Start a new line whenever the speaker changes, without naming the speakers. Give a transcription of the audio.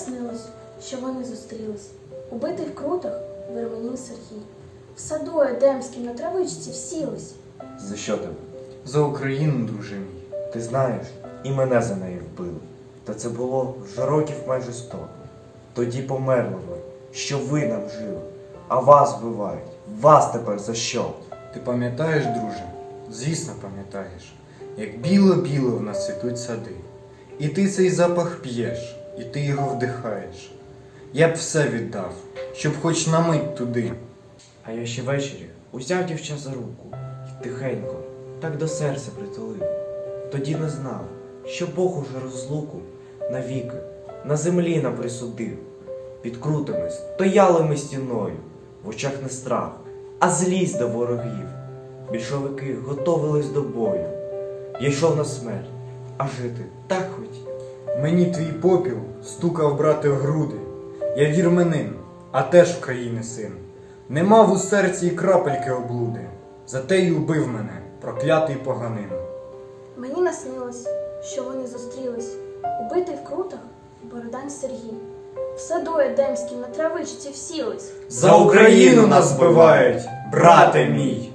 наснилось, що вони зустрілись. Убитий в крутах Вирменів Сергій. В саду едемськім на травичці всілись.
За що тебе?
За Україну, друже мій.
Ти знаєш, і мене за неї вбили. Та це було вже років майже 100. Тоді померли ви, що ви нам жили, а вас вбивають. Вас тепер за що?
Ти пам'ятаєш, друже? Звісно, пам'ятаєш, як біло-біло в нас цвітуть сади. І ти цей запах п'єш, і ти його вдихаєш. Я б все віддав, щоб хоч на мить туди.
А я ще ввечері узяв дівча за руку і тихенько так до серця притулив. Тоді не знав, що Бог уже розлуку навіки на землі нам присудив. Під крутими стояли ми стіною, в очах не страх, а злість до ворогів. Більшовики готовились до бою. Я йшов на смерть, а жити так хотів.
Мені твій попіл стукав, брате, в груди. Я вірменин, а теж України син. Не мав у серці і крапельки облуди. Зате й убив мене, проклятий поганин.
Мені наснилось, що вони зустрілись. Убитий в крутах Бородань Сергій. В саду едемськім на травичці всілись.
За Україну нас вбивають, брате мій!